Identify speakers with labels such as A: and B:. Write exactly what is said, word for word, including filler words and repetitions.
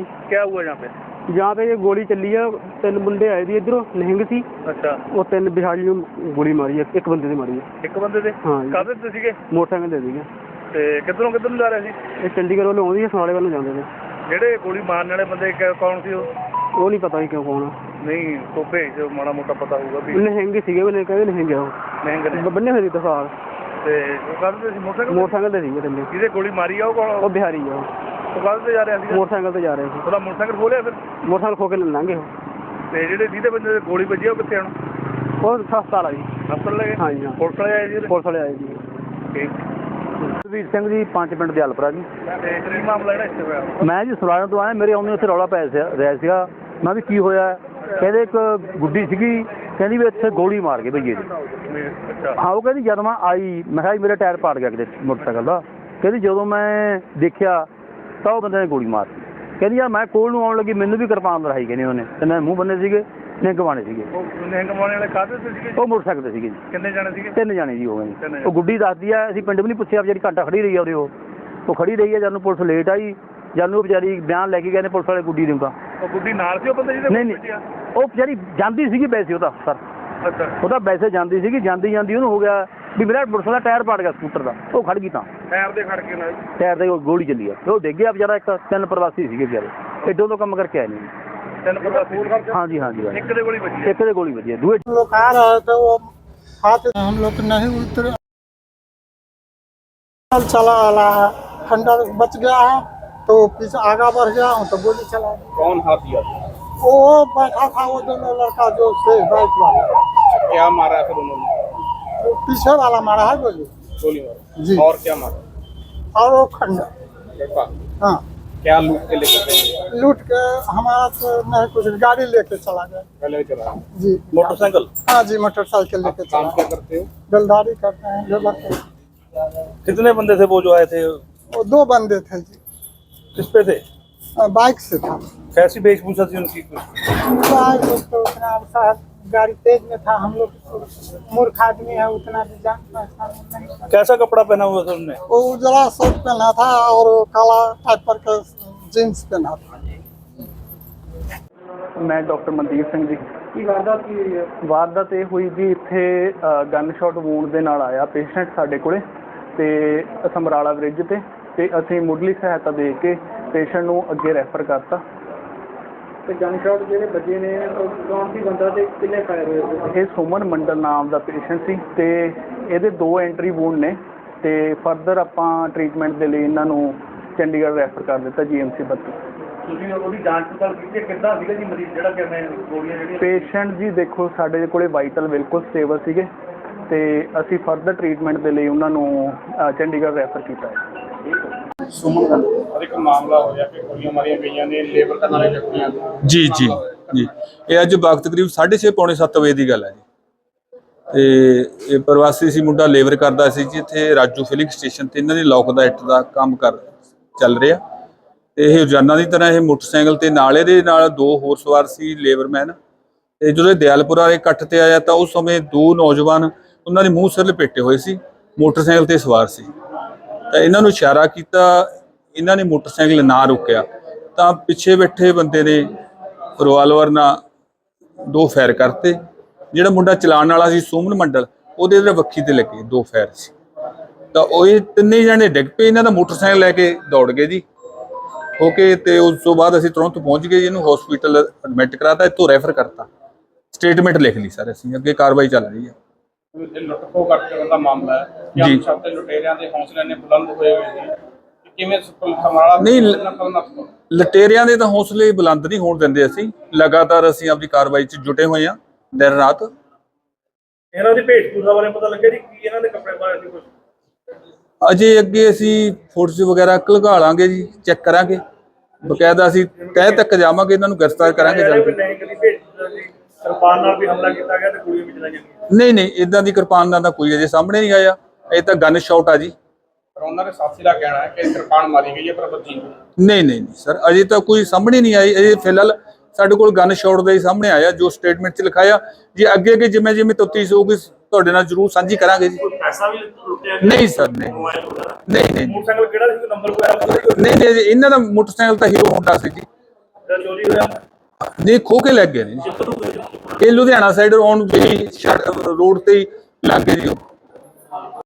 A: क्या हुआ यहाँ पे?
B: यहाँ पे ये गोली चली है, तीन बंदे आए थे इधरों नहिंग सी।
A: अच्छा।
B: वो तीन बिहारी गोली मारी है, एक बंदे ने मारी है।
A: एक बंदे ने?
B: हाँ।
A: काहदे ते सीगे?
B: मोटरसाइकिल दे दी
A: ते किधरों किधर जा रहे थे?
B: ये चंडीगढ़ वालों आउंदी है, समराले वालों जाते थे।
A: ਜਿਹੜੇ ਗੋਲੀ ਮਾਰਨ ਵਾਲੇ ਬੰਦੇ ਕੌਣ ਸੀ ਉਹ?
B: ਉਹ ਨਹੀਂ ਪਤਾ ਹੀ ਕਿਉਂ ਕੌਣ ਆ।
A: ਨਹੀਂ ਤੋਂ ਭੇਜ ਜੋ ਮਾੜਾ ਮੋਟਾ ਪਤਾ ਹੋਊਗਾ ਵੀ
B: ਨਹਿੰਗ ਸੀਗੇ, ਉਹਨੇ ਕਹਿੰਦੇ ਨਹਿੰਗ ਆ ਉਹ।
A: ਨਹਿੰਗ ਨੇ
B: ਬੰਨੇ ਹੋਏ ਸੀ ਤਸਾਰ
A: ਤੇ ਉਹ ਕਾਹਦੇ ਤੇ ਸੀ? ਮੋਟਰਸਾਈਕਲ
B: ਮੋਟਰਸਾਈਕਲ ਤੇ ਸੀਗੇ ਥੱਲੇ।
A: ਜਿਹਦੇ ਗੋਲੀ ਮਾਰੀ ਆ ਉਹ ਕੌਣ?
B: ਉਹ ਬਿਹਾਰੀ ਆ।
A: ਉਹ ਕਾਹਦੇ ਤੇ ਜਾ ਰਿਹਾ ਸੀ?
B: ਮੋਟਰਸਾਈਕਲ ਤੇ ਜਾ ਰਹੇ ਸੀ।
A: ਉਹਦਾ ਮੋਟਰਸਾਈਕਲ ਖੋਲਿਆ ਫਿਰ?
B: ਮੋਟਰਸਾਈਕਲ ਖੋ ਕੇ ਲੰਘੇ ਉਹ।
A: ਤੇ ਜਿਹੜੇ ਜਿਹਦੇ ਬੰਦੇ ਦੇ ਗੋਲੀ ਵੱਜੀ ਉਹ ਕਿੱਥੇ ਹੁਣ?
B: ਉਹ ਹਸਪਤਾਲ ਆ ਜੀ।
A: ਹਸਪਤਾਲ ਲੈ ਗਏ?
B: ਹਾਂਜੀ ਹਾਂ।
A: ਪੁਲਿਸ ਵਾਲੇ ਆਏ ਜੀ?
B: ਪੁਲਿਸ ਵਾਲੇ ਆਏ ਜੀ।
A: ਠੀਕ।
B: ਸੁਖਬੀਰ ਸਿੰਘ ਜੀ, ਪੰਜ ਪਿੰਡ ਦੇ ਹਲਪਰਾ ਜੀ।
A: ਤੇ ਕੀ ਮਾਮਲਾ ਜਿਹੜਾ ਇੱਥੇ ਹੋਇਆ?
B: ਮੈਂ ਜੀ ਸਰਾਣਾ ਤੋਂ ਆਇਆ, ਮੇਰੇ ਆਉਂਦੇ ਉੱਥੇ ਰੌਲਾ ਪੈ ਰਿਹਾ ਸੀਗਾ। ਮੈਂ ਵੀ ਕੀ ਹੋਇਆ? ਕਹਿੰਦੇ ਇੱਕ ਗੁੱਡੀ ਸੀਗੀ, ਕਹਿੰਦੀ ਵੀ ਇੱਥੇ ਗੋਲੀ ਮਾਰ ਗਏ ਭਈਏ ਜੀ।
A: ਅੱਛਾ।
B: ਹਾਂ, ਉਹ ਕਹਿੰਦੀ ਜਦ ਮੈਂ ਆਈ ਮੈਂ ਕਿਹਾ ਮੇਰਾ ਟਾਇਰ ਪਾੜ ਗਿਆ ਕਿਤੇ ਮੋਟਰਸਾਈਕਲ ਦਾ। ਕਹਿੰਦੀ ਜਦੋਂ ਮੈਂ ਦੇਖਿਆ ਤਾਂ ਉਹ ਬੰਦੇ ਨੇ ਗੋਲੀ ਮਾਰਤੀ। ਕਹਿੰਦੀ ਯਾਰ ਮੈਂ ਕੋਲ ਨੂੰ ਆਉਣ ਲੱਗੀ, ਮੈਨੂੰ ਵੀ ਕਿਰਪਾਨ ਲੜਾਈ ਕਹਿੰਦੀ ਉਹਨੇ, ਤੇ ਮੈਂ ਮੂੰਹ ਬੰਨੇ ਸੀਗੇ, ਨਿਹੰਗ ਬਾਣੇ ਸੀਗੇ।
A: ਉਹ ਨਿਹੰਗ ਬਾਣੇ ਵਾਲੇ ਕਾਹਦੇ ਤੇ ਸੀਗੇ?
B: ਉਹ ਮੋਟਰਸਾਈਕਲ ਤੇ ਸੀਗੇ ਜੀ।
A: ਕਿੰਨੇ ਜਾਣੇ ਸੀਗੇ?
B: ਤਿੰਨ ਜਾਣੇ ਜੀ ਹੋ ਗਏ ਜੀ। ਉਹ ਗੁੱਡੀ ਦੱਸਦੀ ਆ, ਅਸੀਂ ਪਿੰਡ ਵੀ ਨਹੀਂ ਪੁੱਛਿਆ, ਵਿਚਾਰੀ ਘੰਟਾ ਖੜੀ ਰਹੀ ਆ ਉਹਦੇ। ਉਹ ਉਹ ਖੜੀ ਰਹੀ ਆ, ਜਦ ਨੂੰ ਪੁਲਿਸ ਲੇਟ ਆਈ, ਜਦ ਨੂੰ ਉਹ ਵਿਚਾਰੀ ਬਿਆਨ ਲੈ ਕੇ ਗਏ ਨੇ ਪੁਲਿਸ ਵਾਲੇ ਗੁੱਡੀ ਨੂੰ। ਤਾਂ
A: ਉਹ ਗੁੱਡੀ ਨਾਲ ਸੀ ਉਹ ਬੰਦੇ ਜਿਹਦੇ?
B: ਨਹੀਂ ਨਹੀਂ, ਉਹ ਵਿਚਾਰੀ ਜਾਂਦੀ ਸੀਗੀ ਵੈਸੇ ਉਹਦਾ ਸਰ।
A: ਅੱਛਾ।
B: ਉਹਦਾ ਵੈਸੇ ਜਾਂਦੀ ਸੀਗੀ, ਜਾਂਦੀ ਜਾਂਦੀ ਉਹਨੂੰ ਹੋ ਗਿਆ ਵੀ ਮੇਰਾ ਮੋਟਰਸਾਈਕਲ ਦਾ ਟਾਇਰ ਪਾੜ ਗਿਆ ਸਕੂਟਰ ਦਾ। ਉਹ ਖੜ ਗਈ, ਤਾਂ
A: ਟਾਇਰ ਦੇ ਖੜ ਕੇ ਨਾਲ
B: ਟਾਇਰ ਦੇ ਗੋਲੀ ਚੱਲੀ ਆ। ਉਹ ਡਿੱਗ ਗਿਆ ਵਿਚਾਰਾ। ਇੱਕ ਤਿੰਨ ਪ੍ਰਵਾਸੀ ਸੀਗੇ ਵਿਚਾਰੇ, ਐਡੋਂ ਤੋਂ ਕੰਮ ਕਰਕੇ ਆਏ ਨੇ।
A: ਤਿੰਨ ਪ੍ਰਵਾਸੀ?
B: ਹਾਂਜੀ ਹਾਂਜੀ।
A: ਇੱਕ ਦੇ ਗੋਲੀ ਵੱਜੀ?
B: ਇੱਕ ਦੇ ਗੋਲੀ ਵੱਜੀ ਹੈ। ਦੂਏ
C: लोग आ रहे थे, वो हाथ हम लोग नहीं उतरे, चला वाला है, खंडर बच गया है तो पीछे आगा बढ़ गया हूँ तो गोली चला।
A: कौन हाथी?
C: वो बैठा था वो दोनों लड़का जो से बाइक वाला।
A: क्या मारा फिर उन्होंने?
C: वो पीछे वाला मारा है गोली।
A: गोली मारा
C: जी।
A: और क्या मारा?
C: और वो खंडर। हाँ।
A: क्या लूट के लेकर गए?
C: लूट के हमारा तो नहीं कुछ, गाड़ी लेके चला गया।
A: पहले चला?
C: जी।
A: मोटरसाइकिल?
C: हाँ जी, मोटरसाइकिल लेके चला।
A: काम क्या करते हो?
C: बेलदारी करते हैं, लेबर के।
A: कितने बंदे थे वो जो आए थे?
C: वो दो बंदे थे जी।
A: किस पे थे?
C: बाइक से था।
A: कैसी वेशभूषा थी उनकी?
C: बाइक तो उतना साहब गाड़ी तेज में था, हम लोग मूर्ख आदमी है, उतना भी जान पहचान नहीं।
A: कैसा कपड़ा पहना हुआ था उनने?
C: वो उजला शर्ट पहना था और काला टाइप पर का जींस पहना था।
B: ਮੈਂ ਡਾਕਟਰ ਮਨਦੀਪ ਸਿੰਘ ਜੀ। ਕੀ ਵਾਰਦਾਤ ਕੀ ਹੋਈ ਹੈ? ਵਾਰਦਾਤ ਇਹ ਹੋਈ ਵੀ ਇੱਥੇ ਗਨ ਸ਼ਾਟ ਵੂੰਡ ਦੇ ਨਾਲ ਆਇਆ ਪੇਸ਼ੈਂਟ ਸਾਡੇ ਕੋਲੇ, ਤੇ ਸਮਰਾਲਾ ਬ੍ਰਿਜ ਤੇ ਤੇ ਅਸੀਂ ਮੁੱਢਲੀ ਸਹਾਇਤਾ ਦੇ ਕੇ ਪੇਸ਼ੈਂਟ ਨੂੰ ਅੱਗੇ ਰੈਫਰ ਕਰਤਾ। ਤੇ ਗਨ ਸ਼ਾਟ ਜਿਹੜੇ ਵੱਜੇ ਨੇ ਕੌਣ ਸੀ ਬੰਦਾ ਤੇ ਕਿੰਨੇ ਫਾਇਰ ਹੋਏ? ਇਹ ਸੁਮਨ ਮੰਡਲ ਨਾਮ ਦਾ ਪੇਸ਼ੈਂਟ ਸੀ, ਤੇ ਇਹਦੇ ਦੋ ਐਂਟਰੀ ਵੂੰਡ ਨੇ, ਤੇ ਫਰਦਰ ਆਪਾਂ ਟ੍ਰੀਟਮੈਂਟ ਦੇ ਲਈ ਇਹਨਾਂ ਨੂੰ ਚੰਡੀਗੜ੍ਹ ਰੈਫਰ ਕਰ ਦਿੱਤਾ ਜੀ ਐਮ ਸੀ ਬੱਤੀ। ਤੁਸੀਂ ਉਹਦੀ ਜਾਂਚ ਪੜਤਾਲ ਕੀਤੀ? ਕਿੱਦਾਂ ਸੀਗਾ ਜੀ ਮਰੀਜ਼ ਜਿਹੜਾ ਕਿਵੇਂ ਗੋਲੀਆਂ ਜਿਹੜੀਆਂ? ਪੇਸ਼ੈਂਟ ਜੀ ਦੇਖੋ ਸਾਡੇ ਕੋਲੇ ਵਾਈਟਲ ਬਿਲਕੁਲ ਸਟੇਬਲ ਸੀਗੇ, ਤੇ ਅਸੀਂ ਫਰਦਰ ਟ੍ਰੀਟਮੈਂਟ ਦੇ ਲਈ ਉਹਨਾਂ ਨੂੰ ਚੰਡੀਗੜ੍ਹ ਰੈਫਰ ਕੀਤਾ ਹੈ।
A: ਸੁਮਨ ਦਾ ਇੱਕ ਮਾਮਲਾ ਹੋਇਆ ਕਿ ਗੋਲੀਆਂ ਮਾਰੀਆਂ ਗਈਆਂ ਨੇ ਲੇਬਰ ਕਰਨ ਵਾਲੇ ਵਿਅਕਤੀਆਂ ਨੂੰ।
D: ਜੀ ਜੀ ਜੀ ਇਹ ਅੱਜ ਵਕਤ ਕਰੀਬ ਸਾਢੇ ਛੇ ਪੌਣੇ ਸੱਤ ਵਜੇ ਦੀ ਗੱਲ ਹੈ ਜੀ। ਤੇ ਇਹ ਪ੍ਰਵਾਸੀ ਸੀ ਮੁੰਡਾ, ਲੇਬਰ ਕਰਦਾ ਸੀ ਜੀ ਇੱਥੇ ਰਾਜੂ ਫਿਲਿੰਗ ਸਟੇਸ਼ਨ ਤੇ। ਇਹਨਾਂ ਦੀ ਲੋਕ ਦਾ ਇੱਟ ਦਾ ਕੰਮ ਕਰ ਚੱਲ ਰਿਹਾ, ਤੇ ਇਹ ਰੋਜ਼ਾਨਾ ਦੀ ਤਰ੍ਹਾਂ ਇਹ ਮੋਟਰਸਾਈਕਲ ਤੇ ਨਾਲ ਇਹਦੇ ਨਾਲ ਦੋ ਹੋਰ ਸਵਾਰ ਸੀ ਲੇਬਰਮੈਨ। ਤੇ ਜਦੋਂ ਦਿਆਲਪੁਰ ਵਾਲੇ ਇਕੱਠ ਤੇ ਆਇਆ ਤਾਂ ਉਸ ਸਮੇਂ ਦੋ ਨੌਜਵਾਨ ਉਹਨਾਂ ਦੇ ਮੂੰਹ ਸਿਰ ਲਪੇਟੇ ਹੋਏ ਸੀ, ਮੋਟਰਸਾਈਕਲ ਤੇ ਸਵਾਰ ਸੀ। ਤਾਂ ਇਹਨਾਂ ਨੂੰ ਇਸ਼ਾਰਾ ਕੀਤਾ, ਇਹਨਾਂ ਨੇ ਮੋਟਰਸਾਈਕਲ ਨਾ ਰੋਕਿਆ ਤਾਂ ਪਿੱਛੇ ਬੈਠੇ ਬੰਦੇ ਨੇ ਰਿਵਾਲਵਰ ਨਾਲ ਦੋ ਫਾਇਰ ਕਰਤੇ। ਜਿਹੜਾ ਮੁੰਡਾ ਚਲਾਉਣ ਵਾਲਾ ਸੀ ਸੁਮਨ ਮੰਡਲ, ਉਹਦੇ ਤੇ ਵੱਖੀ ਤੇ ਲੱਗੇ ਦੋ ਫਾਇਰ ਸੀ। ਤਾਂ ਉਹ ਇਹ ਤਿੰਨੇ ਜਣੇ ਡਿੱਗ ਪਏ, ਇਹਨਾਂ ਦਾ ਮੋਟਰਸਾਈਕਲ ਲੈ ਕੇ ਦੌੜ ਗਏ ਜੀ ਹੋ ਕੇ। ਤੇ ਉਸ ਤੋਂ ਬਾਅਦ ਅਸੀਂ ਤੁਰੰਤ ਪਹੁੰਚ ਗਏ, ਇਹਨੂੰ ਹਸਪੀਟਲ ਐਡਮਿਟ ਕਰਾਤਾ, ਇੱਥੋਂ ਰੈਫਰ ਕਰਤਾ, ਸਟੇਟਮੈਂਟ ਲਿਖ ਲਈ ਸਰ ਅਸੀਂ, ਅੱਗੇ ਕਾਰਵਾਈ ਚੱਲ ਰਹੀ ਹੈ।
A: ਲੁੱਟ ਖੋਹ ਕਰਨ ਦਾ ਮਾਮਲਾ ਹੈ ਜੀ। ਸਭ ਲੁਟੇਰਿਆਂ ਦੇ ਹੌਸਲੇ ਨੇ ਬੁਲੰਦ ਹੋਏ ਹੋਏ ਨੇ, ਕਿਵੇਂ ਸਮਰਾਲਾ
D: ਨਹੀਂ ਲਟੇਰਿਆਂ ਦੇ ਤਾਂ ਹੌਸਲੇ ਬੁਲੰਦ ਨਹੀਂ ਹੋਣ ਦਿੰਦੇ ਅਸੀਂ, ਲਗਾਤਾਰ ਅਸੀਂ ਆਪਣੀ ਕਾਰਵਾਈ 'ਚ ਜੁਟੇ ਹੋਏ ਹਾਂ ਦਿਨ ਰਾਤ।
A: ਇਹਨਾਂ ਦੀ ਭੇਟਪੂਰਾ ਬਾਰੇ ਪਤਾ ਲੱਗਿਆ ਜੀ ਕੀ ਇਹਨਾਂ ਦੇ ਕੱਪੜੇ ਪਾਏ ਸੀ ਕੁਝ?
D: ਅਜੇ ਅੱਗੇ ਅਸੀਂ ਫੋਟੋਸ ਵਗੈਰਾ ਘਲਗਾ ਲਾਂਗੇ ਜੀ, ਚੈੱਕ ਕਰਾਂਗੇ, ਬਕਾਇਦਾ ਅਸੀਂ ਤਹਿ ਤੱਕ ਜਾਵਾਂਗੇ, ਇਹਨਾਂ ਨੂੰ ਗ੍ਰਿਫਤਾਰ ਕਰਾਂਗੇ ਜਲਦੀ।
A: ਕਿਰਪਾਨ ਨਾਲ ਵੀ ਹਮਲਾ ਕੀਤਾ ਗਿਆ ਤੇ ਗੋਲੀਆਂ ਵੀ ਚਲਾਈਆਂ ਗਈਆਂ?
D: ਨਹੀਂ ਨਹੀਂ, ਇਦਾਂ ਦੀ ਕਿਰਪਾਨ ਦਾ ਤਾਂ ਕੋਈ ਅਜੇ ਸਾਹਮਣੇ ਨਹੀਂ ਆਇਆ, ਇਹ ਤਾਂ ਗਨ ਸ਼ਾਟ ਆ ਜੀ।
A: ਪਰ ਉਹਨਾਂ ਦੇ ਸਾਥੀ ਦਾ ਕਹਿਣਾ ਹੈ ਕਿ ਕਿਰਪਾਨ ਮਾਰੀ ਗਈ ਹੈ ਪਰ ਬੱਜੀ
D: ਨਹੀਂ ਨਹੀਂ ਸਰ, ਅਜੇ ਤਾਂ ਕੋਈ ਸਾਹਮਣੇ ਨਹੀਂ ਆਈ। ਅਜੇ ਫਿਲਹਾਲ ਸਾਡੇ ਕੋਲ ਗਨ ਸ਼ਾਟ ਦਾ ਹੀ ਸਾਹਮਣੇ ਆਇਆ ਜੋ ਸਟੇਟਮੈਂਟ 'ਚ ਲਿਖਾਇਆ ਜੀ। ਅੱਗੇ ਅੱਗੇ ਜਿਵੇਂ ਜਿਵੇਂ ਤਫਤੀਸ਼ ਹੋਊਗੀ ਤੁਹਾਡੇ ਨਾਲ ਜ਼ਰੂਰ ਸਾਂਝੀ ਕਰਾਂਗੇ ਜੀ।
A: ਪੈਸਾ ਵੀ ਲੁੱਟਿਆ?
D: ਨਹੀਂ ਸਰ, ਨਹੀਂ ਨਹੀਂ ਨਹੀਂ
A: ਮੋਟਰਸਾਈਕਲ ਕਿਹੜਾ ਸੀ, ਨੰਬਰ ਵਗੈਰਾ?
D: ਨਹੀਂ ਨਹੀਂ, ਇਹਨਾਂ ਦਾ ਮੋਟਰਸਾਈਕਲ ਤਾਂ ਹੀਰੋ ਹੋਂਡਾ ਸੀ ਜੀ, ਨਹੀਂ ਖੋ ਕੇ ਲੱਗ ਗਏ ਨੇ ਜੀ। ਇਹ ਲੁਧਿਆਣਾ ਸਾਈਡ ਆਉਣ ਦੀ ਰੋਡ ਤੇ ਹੀ ਲੱਗ ਗਏ ਜੀ ਉਹ।